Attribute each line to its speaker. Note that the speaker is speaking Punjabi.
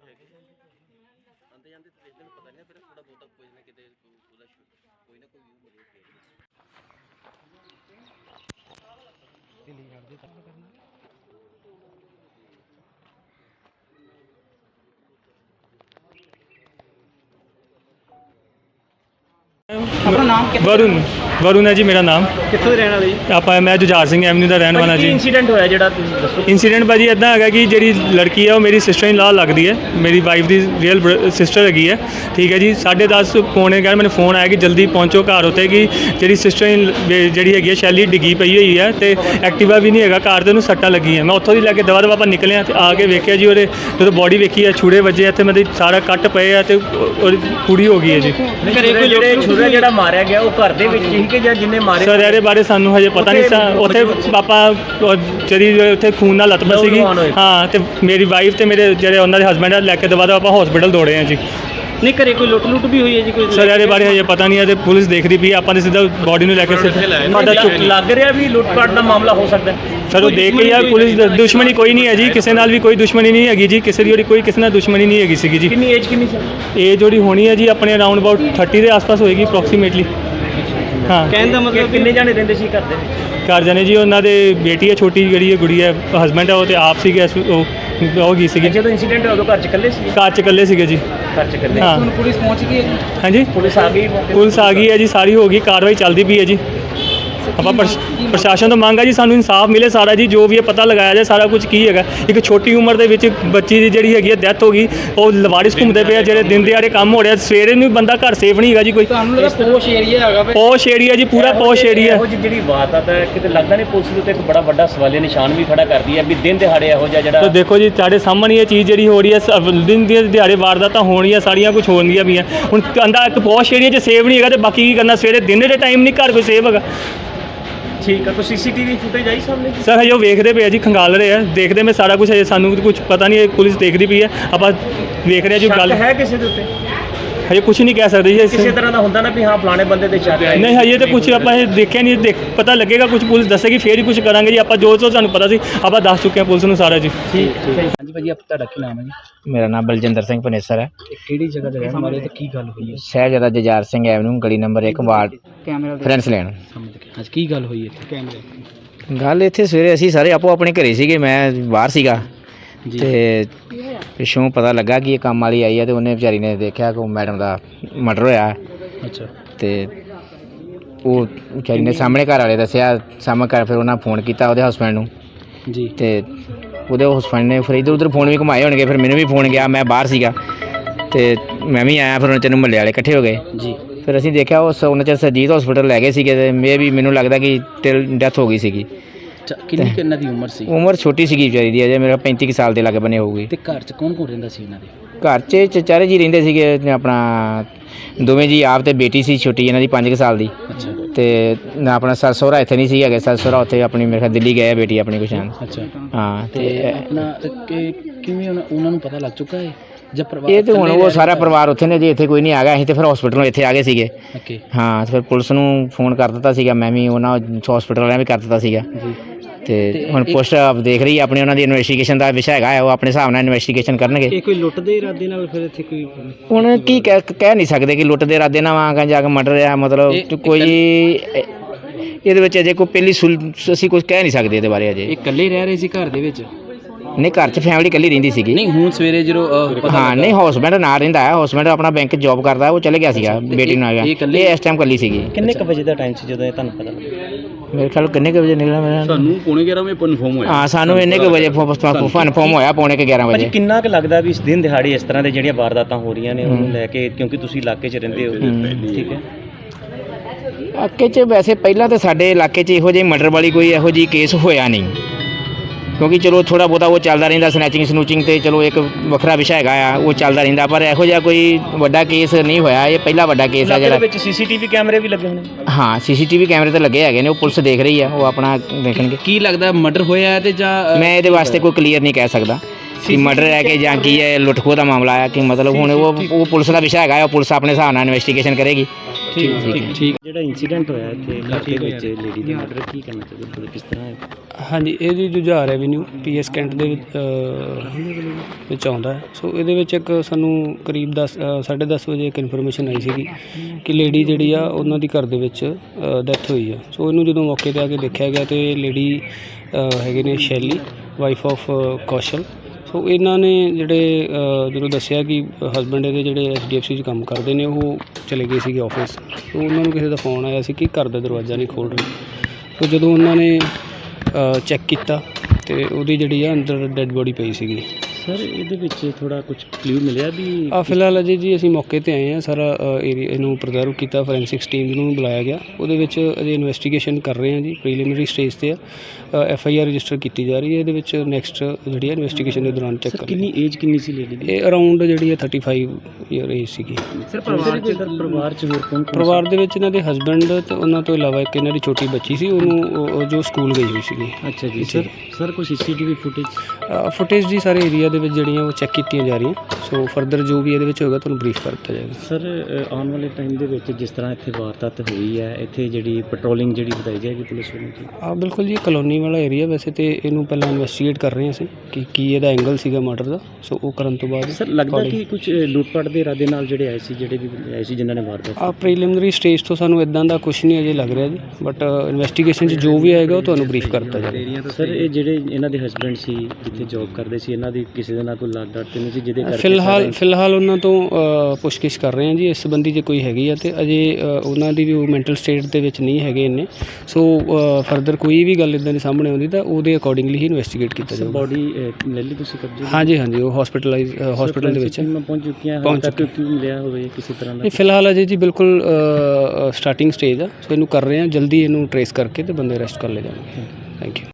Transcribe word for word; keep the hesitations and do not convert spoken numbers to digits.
Speaker 1: ਹੈਗੇ ਆਂਦੇ ਜਾਂਦੇ ਤੇ ਦੇਖਦੇ ਪਤਾ ਨਹੀਂ ਫਿਰ ਥੋੜਾ ਬਹੁਤਾ ਕੋਈ ਨਾ ਕਿਤੇ ਉਹਦਾ ਕੋਈ ਨਾ ਕੋਈ ਵੀ ਮਿਲੇ ਦਿੱਲੀ ਕਰਦੇ ਤਾਂ ਕਰਨਾ
Speaker 2: ਆਪਣਾ ਨਾਮ
Speaker 3: वरुण वरुण है जी मेरा नाम।
Speaker 2: ਕਿੱਥੋਂ ਦੇ ਰਹਿਣ ਵਾਲੇ ਜੀ?
Speaker 3: ਆਪਾਂ ਮੈਂ ਜੁਝਾਰ ਸਿੰਘ ਐਵਨਿਊ ਦਾ ਰਹਿਣ ਵਾਲਾ
Speaker 2: ਕੀ
Speaker 3: ਜੀ।
Speaker 2: ਇਨਸੀਡੈਂਟ ਹੋਇਆ ਜਿਹੜਾ ਤੁਸੀਂ ਦੱਸੋ?
Speaker 3: ਇੰਸੀਡੈਂਟ ਭਾਜੀ ਇੱਦਾਂ ਹੈਗਾ ਕਿ ਜਿਹੜੀ ਲੜਕੀ ਹੈ ਉਹ ਮੇਰੀ ਸਿਸਟਰ ਇਨ ਲਾ ਲੱਗਦੀ ਹੈ, ਮੇਰੀ ਵਾਈਫ ਦੀ ਰੀਅਲ ਸਿਸਟਰ ਹੈਗੀ ਹੈ। ਠੀਕ ਹੈ ਜੀ, ਸਾਢੇ ਦਸ ਪੌਣੇ ਘਰ ਮੈਨੂੰ ਫੋਨ ਆਇਆ ਕਿ ਜਲਦੀ ਪਹੁੰਚੋ ਘਰ ਉੱਤੇ ਕਿ ਜਿਹੜੀ ਸਿਸਟਰ ਇਨ ਜਿਹੜੀ ਹੈਗੀ ਹੈ ਸ਼ੈਲੀ ਡਿੱਗੀ ਪਈ ਹੋਈ ਹੈ ਅਤੇ ਐਕਟਿਵਾ ਵੀ ਨਹੀਂ ਹੈਗਾ ਘਰ, ਅਤੇ ਉਹਨੂੰ ਸੱਟਾਂ ਲੱਗੀਆਂ। ਮੈਂ ਉੱਥੋਂ ਦੀ ਲੈ ਕੇ ਦਵਾ ਦਵਾ ਆਪਾਂ ਨਿਕਲੇ ਹਾਂ ਅਤੇ ਆ ਕੇ ਵੇਖਿਆ ਜੀ ਉਹਦੇ ਜਦੋਂ ਬੋਡੀ ਵੇਖੀ ਹੈ ਛੁਰੇ ਵੱਜੇ ਇੱਥੇ ਮਤਲਬ ਸਾਰਾ ਕੱਟ ਪਏ ਆ ਅਤੇ ਉਹਦੀ ਪੂਰੀ ਹੋ ਗਈ ਹੈ ਜੀ।
Speaker 2: ਘਰੇ ਕੋਈ ਜਿਹੜੇ ਛੁਰਾ ਜਿਹੜਾ ਮਾਰਿਆ ਗਿਆ ਉਹ ਘਰ ਦੇ ਵਿੱਚ ਹੀ ਕਿ ਜਾਂ ਜਿੰਨੇ ਮਾਰੇ?
Speaker 3: ਸਰ ਇਹਦੇ ਬਾਰੇ ਸਾਨੂੰ ਹਜੇ ਪਤਾ ਨਹੀਂ ਸਾ। ਉੱਥੇ ਪਾਪਾ ਜਿਹੜੀ ਉੱਥੇ ਖੂਨ ਨਾਲ ਲੱਤਪੱਤ ਸੀਗੀ ਹਾਂ, ਅਤੇ ਮੇਰੀ ਵਾਈਫ ਅਤੇ ਮੇਰੇ ਜਿਹੜੇ ਉਹਨਾਂ ਦੇ ਹਸਬੈਂਡ ਆ ਲੈ ਕੇ ਦਵਾ ਦਵਾ ਆਪਾਂ ਹਸਪੀਟਲ ਦੌੜੇ ਹਾਂ ਜੀ।
Speaker 2: ਨਹੀਂ ਘਰੇ ਕੋਈ ਲੁੱਟ ਲੁੱਟ ਵੀ ਹੋਈ ਹੈ ਜੀ ਕੋਈ?
Speaker 3: ਸਰ ਇਹਦੇ ਬਾਰੇ ਹਜੇ ਪਤਾ ਨਹੀਂ ਹੈ ਅਤੇ ਪੁਲਿਸ ਦੇਖਦੀ ਪਈ, ਆਪਾਂ ਨੇ ਸਿੱਧਾ ਬੋਡੀ ਨੂੰ ਲੈ ਕੇ ਸਾਡਾ ਚੁੱਕ
Speaker 2: ਲੱਗ ਰਿਹਾ ਵੀ ਲੁੱਟ ਪਾਟ ਦਾ ਮਾਮਲਾ ਹੋ ਸਕਦਾ।
Speaker 3: ਸਰ ਉਹ ਦੇਖ ਕੇ ਯਾਰ ਪੁਲਿਸ ਦੁਸ਼ਮਣੀ ਕੋਈ ਨਹੀਂ ਹੈ ਜੀ, ਕਿਸੇ ਨਾਲ ਵੀ ਕੋਈ ਦੁਸ਼ਮਣੀ ਨਹੀਂ ਹੈਗੀ ਜੀ, ਕਿਸੇ ਦੀ ਜਿਹੜੀ ਕੋਈ ਕਿਸੇ ਨਾਲ ਦੁਸ਼ਮਣੀ ਨਹੀਂ ਹੈਗੀ ਸੀਗੀ ਜੀ।
Speaker 2: ਕਿੰਨੀ ਏਜ ਕਿੰਨੀ ਸੀ?
Speaker 3: ਏਜ ਜਿਹੜੀ ਹੋਣੀ ਹੈ ਜੀ ਆਪਣੇ ਅਰਾਊਂਡ ਅਬਾਊਟ ਥਰਟੀ ਦੇ ਆਸ-ਪਾਸ ਹੋਏਗੀ ਅਪਰੋਕਸੀਮੇਟਲੀ। ਹਾਂ,
Speaker 2: ਕਹਿਣ ਦਾ ਮਤਲਬ ਕਿੰਨੇ ਜਾਣੇ ਰਹਿੰਦੇ ਸੀ ਘਰ ਦੇ ਵਿੱਚ?
Speaker 3: ਘਰ ਜਾਣੇ ਜੀ ਉਹਨਾਂ ਦੇ ਬੇਟੀ ਹੈ ਛੋਟੀ ਜਿਹੜੀ ਹੈ ਗੁੜੀ ਹੈ, ਹਸਬੈਂਡ ਹੈ ਉਹ ਤੇ ਆਪ ਸੀਗੇ, ਉਹ ਉਹ ਗਈ ਸੀਗੀ।
Speaker 2: ਜਦੋਂ ਇਨਸੀਡੈਂਟ ਹੋਇਆ ਉਦੋਂ ਘਰ ਚ ਇਕੱਲੇ ਸੀ?
Speaker 3: ਘਰ 'ਚ ਇਕੱਲੇ ਸੀਗੇ ਜੀ।
Speaker 2: ਘਰ ਚ ਇਕੱਲੇ।
Speaker 3: ਹਾਂ।
Speaker 2: ਹੁਣ ਪੁਲਿਸ ਪਹੁੰਚ ਗਈ ਹੈ?
Speaker 3: ਹਾਂਜੀ
Speaker 2: ਪੁਲਿਸ ਆ ਗਈ?
Speaker 3: ਪੁਲਿਸ ਆ ਗਈ ਹੈ ਜੀ, ਸਾਰੀ ਹੋ ਗਈ, ਕਾਰਵਾਈ ਚੱਲਦੀ ਪਈ ਹੈ ਜੀ। ਆਪਾਂ ਪ੍ਰਸ਼ਾਸਨ ਤੋਂ ਮੰਗ ਹੈ ਜੀ ਸਾਨੂੰ ਇਨਸਾਫ ਮਿਲੇ ਸਾਰਾ ਜੀ, ਜੋ ਵੀ ਇਹ ਪਤਾ ਲਗਾਇਆ ਜਾਏ ਸਾਰਾ ਕੁਝ ਕੀ ਹੈਗਾ। ਇੱਕ ਛੋਟੀ ਉਮਰ ਦੇ ਵਿੱਚ ਬੱਚੀ ਦੀ ਜਿਹੜੀ ਹੈਗੀ ਹੈ ਡੈਥ ਹੋ ਗਈ, ਉਹ ਲਵਾਰਿਸ ਘੁੰਮਦੇ ਪਏ ਆ, ਜਿਹੜੇ ਦਿਨ ਦਿਹਾੜੇ ਕੰਮ ਹੋ ਰਿਹਾ, ਸਵੇਰੇ ਨੂੰ ਬੰਦਾ ਘਰ ਸੇਫ ਨਹੀਂ ਹੈਗਾ ਜੀ ਕੋਈ।
Speaker 2: ਤੁਹਾਨੂੰ ਲੱਗਦਾ ਪੋਸ਼ ਏਰੀਆ ਹੈਗਾ?
Speaker 3: ਪੋਸ਼ ਏਰੀਆ ਜੀ, ਪੂਰਾ ਪੋਸ਼ ਏਰੀਆ।
Speaker 2: ਇਹੋ ਜਿਹੀ ਜਿਹੜੀ ਵਾਰਦਾਤ ਹੈ ਕਿਤੇ ਲੱਗਦਾ ਨਹੀਂ ਪੁਲਿਸ ਦੇ ਉੱਤੇ ਇੱਕ ਬੜਾ ਵੱਡਾ ਸਵਾਲੀਆ ਨਿਸ਼ਾਨ ਵੀ ਖੜਾ ਕਰਦੀ ਹੈ ਵੀ ਦਿਨ ਦਿਹਾੜੇ ਇਹੋ ਜਿਹਾ ਜਿਹੜਾ।
Speaker 3: ਤਾਂ ਦੇਖੋ ਜੀ ਤੁਹਾਡੇ ਸਾਹਮਣੇ ਇਹ ਚੀਜ਼ ਜਿਹੜੀ ਹੋ ਰਹੀ ਹੈ, ਦਿਨ ਦੀ ਦਿਹਾੜੇ ਵਾਰਦਾਤਾਂ ਹੋਣੀਆਂ ਸਾਰੀਆਂ ਕੁਝ ਹੋਣਗੀਆਂ ਵੀ ਆ। ਹੁਣ ਕਹਿੰਦਾ ਇੱਕ ਪੋਸ਼ ਏਰੀਆ 'ਚ ਸੇਫ ਨਹੀਂ ਹੈਗਾ ਅਤੇ ਬਾਕੀ ਕੀ ਕਰਨਾ, ਸਵੇਰੇ ਦਿਨ ਦੇ ਟਾਈਮ ਨਹੀਂ ਘਰ ਕੋਈ ਸੇਫ ਹੈਗਾ।
Speaker 2: ਠੀਕ ਹੈ, ਕੋਈ ਸੀਸੀਟੀਵੀ ਫੁਟੇਜ ਆਈ ਸਾਹਮਣੇ?
Speaker 3: ਸਰ ਹਜੇ ਉਹ ਵੇਖਦੇ ਪਏ ਆ ਜੀ, ਖੰਗਾਲ ਰਹੇ ਆ, ਦੇਖਦੇ ਮੈਂ ਸਾਰਾ ਕੁਝ, ਹਜੇ ਸਾਨੂੰ ਕੁਝ ਪਤਾ ਨਹੀਂ, ਪੁਲਿਸ ਦੇਖਦੀ ਪਈ ਹੈ, ਆਪਾਂ ਵੇਖ ਰਹੇ ਹਾਂ ਜੀ। ਗੱਲ
Speaker 2: ਹੈ ਕਿਸੇ ਦੇ ਉੱਤੇ?
Speaker 3: ਹਜੇ ਕੁਝ ਨਹੀਂ ਕਹਿ ਸਕਦੇ ਜੀ।
Speaker 2: ਕਿਸੇ ਤਰ੍ਹਾਂ ਦਾ ਹੁੰਦਾ ਨਾ ਵੀ ਹਾਂ ਫਲਾਣੇ ਬੰਦੇ ਦੇ ਸ਼ੱਕ ਹੈ?
Speaker 3: ਨਹੀਂ ਹਜੇ ਤਾਂ ਕੁਝ ਆਪਾਂ ਇਹ ਦੇਖਿਆ ਨਹੀਂ, ਦੇਖ ਪਤਾ ਲੱਗੇਗਾ, ਕੁਝ ਪੁਲਿਸ ਦੱਸੇਗੀ ਫੇਰ ਹੀ ਕੁਝ ਕਰਾਂਗੇ ਜੀ। ਆਪਾਂ ਜੋ ਜੋ ਸਾਨੂੰ ਪਤਾ ਸੀ ਆਪਾਂ ਦੱਸ ਚੁੱਕੇ ਹਾਂ ਪੁਲਿਸ ਨੂੰ ਸਾਰਾ ਜੀ।
Speaker 2: ਠੀਕ ਠੀਕ। ਹਾਂਜੀ ਭਾਜੀ, ਆਪ ਤੁਹਾਡਾ ਕੀ ਨਾਮ ਹੈ ਜੀ?
Speaker 4: ਮੇਰਾ ਨਾਮ ਬਲਜਿੰਦਰ ਸਿੰਘ ਪਨੇਸਰ ਹੈ।
Speaker 2: ਕਿਹੜੀ ਜਗ੍ਹਾ ਤੇ ਰਹਿਣ ਵਾਲੇ ਤੇ ਕੀ ਗੱਲ ਹੋਈ ਹੈ?
Speaker 4: ਸ਼ਹਿਜ਼ਾਦਾ ਜੁਝਾਰ ਸਿੰਘ ਐਵਨਿਊ ਗਲੀ ਨੰਬਰ ਇੱਕ ਵਾਰਡ ਫਰੈਂਸ ਲੈਣ।
Speaker 2: ਅੱਜ ਕੀ ਗੱਲ ਹੋਈ ਇੱਥੇ? ਕੈਮਰੇ
Speaker 4: ਗੱਲ ਇੱਥੇ ਸਵੇਰੇ ਅਸੀਂ ਸਾਰੇ ਆਪੋ ਆਪਣੇ ਘਰੇ ਸੀਗੇ, ਮੈਂ ਬਾਹਰ ਸੀਗਾ ਤੇ ਪਿੱਛੋਂ ਪਤਾ ਲੱਗਾ ਕਿ ਇਹ ਕੰਮ ਵਾਲੀ ਆਈ ਹੈ ਤੇ ਉਹਨੇ ਵਿਚਾਰੀ ਨੇ ਦੇਖਿਆ ਕਿ ਉਹ ਮੈਡਮ ਦਾ ਮਰਡਰ ਹੋਇਆ।
Speaker 2: ਅੱਛਾ।
Speaker 4: ਤੇ ਉਹ ਵਿਚਾਰੀ ਨੇ ਸਾਹਮਣੇ ਘਰ ਵਾਲੇ ਦੱਸਿਆ, ਸਾਹਮਣੇ ਘਰ ਫਿਰ ਉਹਨਾਂ ਫੋਨ ਕੀਤਾ ਉਹਦੇ ਹਸਬੈਂਡ ਨੂੰ
Speaker 2: ਜੀ, ਤੇ
Speaker 4: ਉਹਦੇ ਹਸਬੈਂਡ ਨੇ ਫਿਰ ਇੱਧਰ ਉੱਧਰ ਫੋਨ ਵੀ ਘੁਮਾਏ ਹੋਣਗੇ, ਫਿਰ ਮੈਨੂੰ ਵੀ ਫੋਨ ਗਿਆ, ਮੈਂ ਬਾਹਰ ਸੀਗਾ ਤੇ ਮੈਂ ਵੀ ਆਇਆ, ਫਿਰ ਉਹਨਾਂ ਤੈਨੂੰ ਮਹੱਲੇ ਵਾਲੇ ਇਕੱਠੇ ਹੋ ਗਏ
Speaker 2: ਜੀ।
Speaker 4: ਫਿਰ ਅਸੀਂ ਦੇਖਿਆ ਉਸ ਉਹਨਾਂ 'ਚ ਸਰਜੀਤ ਹਸਪੀਟਲ ਲੈ ਗਏ ਸੀਗੇ ਤੇ ਮੇ ਵੀ ਮੈਨੂੰ ਲੱਗਦਾ ਕਿ ਟਿਲ ਡੈਥ ਹੋ ਗਈ ਸੀਗੀ।
Speaker 2: ਕਿੰਨੀ ਕਿੰਨਾ ਦੀ ਉਮਰ ਸੀ?
Speaker 4: ਉਮਰ ਛੋਟੀ ਸੀਗੀ ਵਿਚਾਰੀ ਦੀ, ਅਜੇ ਮੇਰਾ ਪੈਂਤੀ ਕੁ ਸਾਲ ਦੇ ਲਾਗੇ ਬਣੇ ਹੋਊਗੀ।
Speaker 2: ਤੇ ਘਰ 'ਚ ਕੌਣ ਕੌਣ ਰਹਿੰਦਾ ਸੀ ਇਹਨਾਂ ਦੇ?
Speaker 4: ਘਰ 'ਚ ਚਚਾਰੇ ਜੀ ਰਹਿੰਦੇ ਸੀਗੇ, ਆਪਣਾ ਦੋਵੇਂ ਜੀ, ਆਪ ਤੇ ਬੇਟੀ ਸੀ ਛੋਟੀ ਇਹਨਾਂ ਦੀ ਪੰਜ ਕੁ ਸਾਲ ਦੀ।
Speaker 2: ਅੱਛਾ।
Speaker 4: ਤੇ ਨਾ ਆਪਣਾ ਸੱਸ ਸਹੁਰਾ ਇੱਥੇ ਨਹੀਂ ਸੀ ਹੈਗੇ, ਸੱਸ ਸਹੁਰਾ ਉੱਥੇ ਆਪਣੀ ਮੇਰੇ ਖਿਆਲ ਦਿੱਲੀ ਗਏ ਬੇਟੀ ਆਪਣੀ ਕੁਛ।
Speaker 2: ਅੱਛਾ।
Speaker 4: ਹਾਂ।
Speaker 2: ਤੇ ਆਪਣਾ ਕਿਵੇਂ ਉਹਨਾਂ ਨੂੰ ਪਤਾ ਲੱਗ ਚੁੱਕਾ ਹੈ?
Speaker 4: ਇਹ ਤੇ ਹੁਣ ਉਹ ਸਾਰਾ ਪਰਿਵਾਰ ਉੱਥੇ ਨੇ ਜੀ, ਇੱਥੇ ਕੋਈ ਨਹੀਂ ਆ ਗਿਆ। ਅਸੀਂ ਤੇ ਫਿਰ ਹਸਪੀਟਲੋਂ ਇੱਥੇ ਆ ਗਏ ਸੀਗੇ।
Speaker 2: ਓਕੇ। ਹਾਂ,
Speaker 4: ਫਿਰ ਪੁਲਿਸ ਨੂੰ ਫੋਨ ਕਰ ਦਿੱਤਾ ਸੀਗਾ, ਮੈਂ ਵੀ ਉਹਨਾਂ ਹਸਪੀਟਲ ਵਾਲਿਆਂ ਵੀ ਕਰ ਦਿੱਤਾ ਸੀਗਾ। ਤੇ ਹੁਣ ਪੁਲਿਸ ਦੇਖ ਰਹੀ ਆਪਣੀ, ਉਹਨਾਂ ਦੀ ਇਨਵੈਸਟੀਗੇਸ਼ਨ ਦਾ ਵਿਸ਼ਾ ਹੈਗਾ, ਉਹ ਆਪਣੇ ਹਿਸਾਬ ਨਾਲ ਇਨਵੈਸਟੀਗੇਸ਼ਨ ਕਰਨਗੇ।
Speaker 2: ਇਹ ਕੋਈ ਲੁੱਟ ਦੇ ਇਰਾਦੇ ਨਾਲ ਫਿਰ ਇੱਥੇ ਕੋਈ
Speaker 4: ਹੁਣ ਕੀ ਕਹਿ ਕਹਿ ਨਹੀਂ ਸਕਦੇ ਕਿ ਲੁੱਟ ਦੇ ਇਰਾਦੇ ਨਾਲ ਆਂਗਾ ਜਾ ਕੇ ਮਰਡਰ ਆ, ਮਤਲਬ ਕੋਈ ਇਹਦੇ ਵਿੱਚ ਅਜੇ ਕੋਈ ਪਹਿਲੀ ਅਸੀਂ ਕੁਝ ਕਹਿ ਨਹੀਂ ਸਕਦੇ ਇਹਦੇ ਬਾਰੇ ਅਜੇ।
Speaker 2: ਇਹ ਇਕੱਲੇ ਰਹਿ ਰਹੇ ਸੀ ਘਰ ਦੇ ਵਿੱਚ?
Speaker 4: ਨਹੀਂ, ਘਰ 'ਚ ਫੈਮਿਲੀ ਇਕੱਲੀ ਰਹਿੰਦੀ ਸੀਗੀ।
Speaker 2: ਨਹੀਂ, ਹੁਣ ਸਵੇਰੇ ਜਦੋਂ
Speaker 4: ਹਾਂ, ਨਹੀਂ ਹਸਬੈਂਡ ਨਾਲ ਰਹਿੰਦਾ ਹੈ, ਹਸਬੈਂਡ ਆਪਣਾ ਬੈਂਕ ਜੋਬ ਕਰਦਾ, ਉਹ ਚਲੇ ਗਿਆ ਸੀਗਾ ਬੇਟੀ ਨਾਲ। ਇਹ ਇਸ ਟਾਈਮ ਇਕੱਲੀ ਸੀਗੀ।
Speaker 2: ਕਿੰਨੇ ਕੁ ਵਜੇ ਦਾ ਟਾਈਮ ਸੀ ਜਦੋਂ ਇਹ ਤੁਹਾਨੂੰ ਪਤਾ ਲੱਗਾ?
Speaker 4: ਮੇਰੇ ਖਿਆਲ ਕਿੰਨੇ ਕੁ ਵਜੇ ਨਿਕਲਿਆ ਮੇਰਾ?
Speaker 2: ਸਾਨੂੰ ਪੌਣੇ ਗਿਆਰਾਂ ਵਜੇ ਕਨਫਰਮ ਹੋਇਆ।
Speaker 4: ਹਾਂ, ਸਾਨੂੰ ਇੰਨੇ ਕੁ ਵਜੇ ਕਨਫਰਮ ਹੋਇਆ, ਪੌਣੇ ਕੁ ਗਿਆਰਾਂ ਵਜੇ।
Speaker 2: ਕਿੰਨਾ ਕੁ ਲੱਗਦਾ ਵੀ ਇਸ ਦਿਨ ਦਿਹਾੜੇ ਇਸ ਤਰ੍ਹਾਂ ਦੇ ਜਿਹੜੀਆਂ ਵਾਰਦਾਤਾਂ ਹੋ ਰਹੀਆਂ ਨੇ ਉਹਨੂੰ ਲੈ ਕੇ, ਕਿਉਂਕਿ ਤੁਸੀਂ ਇਲਾਕੇ 'ਚ ਰਹਿੰਦੇ ਹੋ? ਠੀਕ ਹੈ।
Speaker 4: ਇਲਾਕੇ 'ਚ ਵੈਸੇ ਪਹਿਲਾਂ ਤਾਂ ਸਾਡੇ ਇਲਾਕੇ 'ਚ ਇਹੋ ਜਿਹੀ ਮਰਡਰ ਵਾਲੀ ਕੋਈ ਇਹੋ ਜਿਹੀ ਕੇਸ ਹੋਇਆ ਨਹੀਂ, ਕਿਉਂਕਿ ਚਲੋ ਥੋੜ੍ਹਾ ਬਹੁਤਾ ਉਹ ਚੱਲਦਾ ਰਹਿੰਦਾ, ਸਨੈਚਿੰਗ ਸਨੂਚਿੰਗ ਤੇ ਚਲੋ ਇੱਕ ਵੱਖਰਾ ਵਿਸ਼ਾ ਹੈਗਾ ਆ, ਉਹ ਚੱਲਦਾ ਰਹਿੰਦਾ, ਪਰ ਇਹੋ ਜਿਹਾ ਕੋਈ ਵੱਡਾ ਕੇਸ ਨਹੀਂ ਹੋਇਆ। ਇਹ ਪਹਿਲਾ ਵੱਡਾ ਕੇਸ ਆ ਜਿਹੜਾ।
Speaker 2: ਵਿੱਚ ਸੀਸੀਟੀਵੀ ਕੈਮਰੇ ਵੀ ਲੱਗੇ ਹੋਣੇ?
Speaker 4: ਹਾਂ, ਸੀਸੀਟੀਵੀ ਕੈਮਰੇ ਤਾਂ ਲੱਗੇ ਹੈਗੇ ਨੇ, ਉਹ ਪੁਲਿਸ ਦੇਖ ਰਹੀ ਆ, ਉਹ ਆਪਣਾ ਦੇਖਣਗੇ।
Speaker 2: ਕੀ ਲੱਗਦਾ ਮਰਡਰ ਹੋਇਆ ਤੇ ਜਾਂ? ਮੈਂ
Speaker 4: ਇਹਦੇ ਵਾਸਤੇ ਕੋਈ ਕਲੀਅਰ ਨਹੀਂ ਕਹਿ ਸਕਦਾ ਕਿ ਮਰਡਰ ਹੈ ਕਿ ਜਾਂ ਕੀ ਹੈ, ਲੁੱਟ ਖੋਹ ਦਾ ਮਾਮਲਾ ਆ ਕਿ ਮਤਲਬ ਹੁਣ ਉਹ ਉਹ ਪੁਲਿਸ ਦਾ ਵਿਸ਼ਾ ਹੈਗਾ, ਉਹ ਪੁਲਿਸ ਆਪਣੇ ਹਿਸਾਬ ਨਾਲ ਇਨਵੈਸਟੀਗੇਸ਼ਨ ਕਰੇਗੀ। ਠੀਕ ਹੈ ਠੀਕ
Speaker 2: ਜਿਹੜਾ ਇਨਸੀਡੈਂਟ ਹੋਇਆ ਇੱਥੇ ਇਲਾਕੇ ਵਿੱਚ ਲੇਡੀ ਦਾ ਮਰਡਰ, ਕੀ ਕਰਨਾ ਚਾਹੀਦਾ ਪੁਲਿਸ ਕਿਸ ਤਰ੍ਹਾਂ ਹੈ?
Speaker 5: ਹਾਂਜੀ, ਇਹਦੀ Jujhar revenue P S cantt ਦੇ ਵਿੱਚ ਅ, ਵਿੱਚ ਆਉਂਦਾ ਹੈ। ਸੋ ਇਹਦੇ ਵਿੱਚ ਇੱਕ ਸਾਨੂੰ ਕਰੀਬ ਦਸ ਸਾਢੇ ਦਸ ਵਜੇ ਇੱਕ ਇਨਫੋਰਮੇਸ਼ਨ ਆਈ ਸੀਗੀ ਕਿ ਲੇਡੀ ਜਿਹੜੀ ਆ ਉਹਨਾਂ ਦੀ ਘਰ ਦੇ ਵਿੱਚ ਡੈਥ ਹੋਈ ਆ। ਸੋ ਇਹਨੂੰ ਜਦੋਂ ਮੌਕੇ 'ਤੇ ਆ ਕੇ ਦੇਖਿਆ ਗਿਆ ਤੇ ਲੇਡੀ ਹੈਗੇ ਨੇ ਸ਼ੈਲੀ, ਵਾਈਫ ਆਫ ਕੌਸ਼ਲ। ਸੋ ਇਹਨਾਂ ਨੇ ਜਿਹੜੇ ਅ, ਜਦੋਂ ਦੱਸਿਆ ਕਿ ਹਸਬੈਂਡ ਇਹਦੇ ਜਿਹੜੇ ਐਚ ਡੀ ਐਫ ਸੀ 'ਚ ਕੰਮ ਕਰਦੇ ਨੇ, ਉਹ ਚਲੇ ਗਏ ਸੀਗੇ ਆਫਿਸ। ਸੋ ਉਹਨਾਂ ਨੂੰ ਕਿਸੇ ਦਾ ਫੋਨ ਆਇਆ ਸੀ ਕਿ ਘਰ ਦਾ ਦਰਵਾਜ਼ਾ ਨਹੀਂ ਖੋਲ੍ਹ ਰਹੇ। ਸੋ ਜਦੋਂ ਉਹਨਾਂ ਨੇ ਚੈੱਕ ਕੀਤਾ ਤੇ ਉਹਦੀ ਜਿਹੜੀ ਆ ਅੰਦਰ ਡੈੱਡ ਬੋਡੀ ਪਈ ਸੀਗੀ।
Speaker 2: ਸਰ ਇਹਦੇ ਵਿੱਚ ਥੋੜਾ ਕੁਝ ਕਲੂ ਮਿਲਿਆ ਵੀ?
Speaker 5: ਆ ਫਿਲਹਾਲ ਅਜੇ ਜੀ ਅਸੀਂ ਮੌਕੇ 'ਤੇ ਆਏ ਹਾਂ, ਸਾਰਾ ਏਰੀਆ ਇਹਨੂੰ ਪ੍ਰੀਜ਼ਰਵ ਕੀਤਾ, ਫੋਰੈਂਸਿਕਸ ਟੀਮ ਨੂੰ ਬੁਲਾਇਆ ਗਿਆ। ਉਹਦੇ ਵਿੱਚ ਅਜੇ ਇਨਵੈਸਟੀਗੇਸ਼ਨ ਕਰ ਰਹੇ ਹਾਂ ਜੀ, ਪ੍ਰੀਲਿਮਿਨਰੀ ਸਟੇਜ 'ਤੇ ਆ। ਐਫ ਆਈ ਆਰ ਰਜਿਸਟਰ ਕੀਤੀ ਜਾ ਰਹੀ ਹੈ। ਇਹਦੇ ਵਿੱਚ ਨੈਕਸਟ ਜਿਹੜੀ ਹੈ ਇਨਵੈਸਟੀਗੇਸ਼ਨ ਦੇ ਦੌਰਾਨ ਚੈੱਕ ਕਰ
Speaker 2: ਕਿੰਨੀ ਏਜ ਕਿੰਨੀ ਸੀ ਲੇਡੀ ਦੀ?
Speaker 5: ਇਹ ਅਰਾਊਂਡ ਜਿਹੜੀ ਹੈ ਥਰਟੀ ਫਾਈਵ ਈਅਰ ਏਜ ਸੀਗੀ।
Speaker 2: ਸਰ ਪਰਿਵਾਰ 'ਚ ਪਰਿਵਾਰ 'ਚ ਹੋਰ ਕੌਣ?
Speaker 5: ਪਰਿਵਾਰ ਦੇ ਵਿੱਚ ਇਹਨਾਂ ਦੇ ਹਸਬੈਂਡ ਤੇ ਉਹਨਾਂ ਤੋਂ ਇਲਾਵਾ ਇੱਕ ਇਹਨਾਂ ਦੀ ਛੋਟੀ ਬੱਚੀ ਸੀ, ਉਹਨੂੰ ਉਹ- ਜੋ ਸਕੂਲ ਗਈ ਹੋਈ ਸੀਗੀ।
Speaker 2: ਅੱਛਾ ਜੀ ਸਰ। ਸਰ ਕੋਈ C C T V footage?
Speaker 5: Footage ਦੀ ਸਾਰੇ ਏਰੀਆ ਦੇ ਵਿੱਚ ਜਿਹੜੀਆਂ ਉਹ ਚੈੱਕ ਕੀਤੀਆਂ ਜਾ ਰਹੀਆਂ। ਸੋ ਫਰਦਰ ਜੋ ਵੀ ਇਹਦੇ ਵਿੱਚ ਹੋਏਗਾ ਤੁਹਾਨੂੰ ਬਰੀਫ ਕਰ ਦਿੱਤਾ ਜਾਏਗਾ।
Speaker 2: ਸਰ ਆਉਣ ਵਾਲੇ ਟਾਈਮ ਦੇ ਵਿੱਚ ਜਿਸ ਤਰ੍ਹਾਂ ਇੱਥੇ ਵਾਰਦਾਤ ਹੋਈ ਹੈ, ਇੱਥੇ ਜਿਹੜੀ ਪੈਟਰੋਲਿੰਗ ਜਿਹੜੀ ਵਧਾਈ ਜਾਏਗੀ ਪੁਲਿਸ ਵੱਲੋਂ ਜੀ?
Speaker 5: ਆ ਬਿਲਕੁਲ ਜੀ, ਕਲੋਨੀ ਵਾਲਾ ਏਰੀਆ। ਵੈਸੇ ਤੇ ਇਹਨੂੰ ਪਹਿਲਾਂ ਇਨਵੈਸਟੀਗੇਟ ਕਰ ਰਹੇ ਹਾਂ ਅਸੀਂ ਕਿ ਕੀ ਇਹਦਾ ਐਂਗਲ ਸੀਗਾ ਮਰਡਰ ਦਾ। ਸੋ ਉਹ ਕਰਨ ਤੋਂ ਬਾਅਦ
Speaker 2: ਸਰ ਲੱਗਦਾ ਕਿ ਕੁਝ ਲੁੱਟਪਾਟ ਦੇ ਇਰਾਦੇ ਨਾਲ ਜਿਹੜੇ ਆਏ ਸੀ, ਜਿਹੜੇ ਵੀ ਆਏ ਸੀ ਜਿਨ੍ਹਾਂ ਨੇ ਵਾਰਦਾਤ?
Speaker 5: ਆ ਪ੍ਰੀਲਿਮਿਨਰੀ ਸਟੇਜ ਤੋਂ ਸਾਨੂੰ ਇਦਾਂ ਦਾ ਕੁਝ ਨਹੀਂ ਅਜੇ ਲੱਗ ਰਿਹਾ ਜੀ, ਬਟ ਇਨਵੈਸਟੀਗੇਸ਼ਨ 'ਚ ਜੋ ਵੀ ਆਏਗਾ ਉਹ ਤੁਹਾਨੂੰ ਬਰੀਫ ਕਰ ਦਿੱਤਾ ਜਾਏਗਾ।
Speaker 2: ਸਰ ਇਹ ਜਿਹੜੇ ਇਹਨਾਂ ਦੇ ਹਸਬੈਂਡ ਸੀ ਜਿੱਥੇ ਜੌਬ ਕਰਦੇ ਸੀ, ਇਹਨਾਂ ਦੀ ਕਿਸੇ ਦੇ ਨਾਲ ਕੋਈ ਲਾਗ ਡਾਟ ਤੇ ਨਹੀਂ ਸੀ ਜਿਹਦੇ ਕਰਕੇ?
Speaker 5: ਫਿਲਹਾਲ ਫਿਲਹਾਲ ਉਹਨਾਂ ਤੋਂ ਅ, ਪੁੱਛਗਿੱਛ ਕਰ ਰਹੇ ਹਾਂ ਜੀ ਇਸ ਸੰਬੰਧੀ, ਜੇ ਕੋਈ ਹੈਗੀ ਆ ਤੇ ਅਜੇ ਅ, ਉਹਨਾਂ ਦੀ ਵੀ ਉਹ ਮੈਂਟਲ ਸਟੇਟ ਦੇ ਵਿੱਚ ਨਹੀਂ ਹੈਗੇ ਇੰਨੇ। ਸੋ ਫਰਦਰ ਕੋਈ ਵੀ ਗੱਲ ਇਦਾਂ ਦੀ ਸਾਹਮਣੇ ਆਉਂਦੀ ਤਾਂ ਉਹਦੇ ਅਕੋਰਡਿੰਗਲੀ ਹੀ ਇਨਵੈਸਟੀਗੇਟ ਕੀਤਾ ਜਾਊਗਾ।
Speaker 2: ਬੋਡੀ ਲੈ ਲਈ ਤੁਸੀਂ ਕਬਜ਼ੇ?
Speaker 5: ਹਾਂਜੀ ਹਾਂਜੀ, ਉਹ ਹਸਪੀਟਲਾਈਜ਼ ਹਸਪੀਟਲ ਦੇ ਵਿੱਚ
Speaker 2: ਪਹੁੰਚ ਚੁੱਕੀਆਂ?
Speaker 5: ਪਹੁੰਚ
Speaker 2: ਤੱਕ ਕੀ ਮਿਲਿਆ ਹੋਵੇ ਕਿਸੇ ਤਰ੍ਹਾਂ ਦਾ?
Speaker 5: ਇਹ ਫਿਲਹਾਲ ਅਜੇ ਜੀ ਬਿਲਕੁਲ ਸਟਾਰਟਿੰਗ ਸਟੇਜ ਆ। ਸੋ ਇਹਨੂੰ ਕਰ ਰਹੇ ਹਾਂ, ਜਲਦੀ ਇਹਨੂੰ ਟਰੇਸ ਕਰਕੇ ਤੇ ਬੰਦੇ ਅਰੈਸਟ ਕਰ ਲਏ ਜਾਣਗੇ। Thank you.